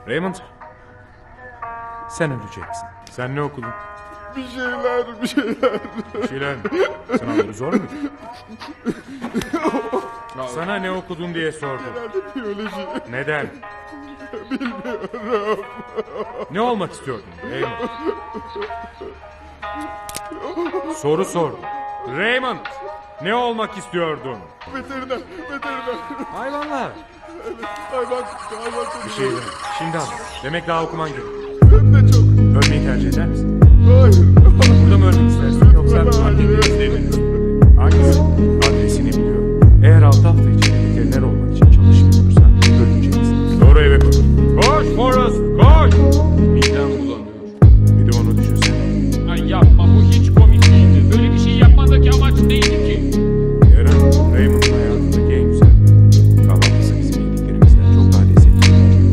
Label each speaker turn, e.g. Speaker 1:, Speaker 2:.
Speaker 1: Raymond, sen öleceksin. Sen ne okudun?
Speaker 2: Bir şeyler.
Speaker 1: Bir şeyler mi? Sınavları zor muydu? Sana ne okudun diye sordum.
Speaker 2: Herhalde biyoloji.
Speaker 1: Neden?
Speaker 2: Bilmiyorum.
Speaker 1: Ne olmak istiyordun Raymond? Soru sordum. Raymond, ne olmak istiyordun?
Speaker 2: Veteriner.
Speaker 1: Hayvanlar.
Speaker 2: Hayvan
Speaker 1: Bir şey deme. Şimdi anladım. Demek daha okuman gerekiyor.
Speaker 2: Hem de çok.
Speaker 1: Ölmeyi tercih eder misin?
Speaker 2: Hayır.
Speaker 1: Burada mı ölmek istersin yoksa annenin isteğini mi? Hangisi? Adresini biliyorum. Eğer 6 hafta içinde veteriner olmak için çalışmıyorsan öleceksin. Doğru eve koş. Koş Forrest, koş!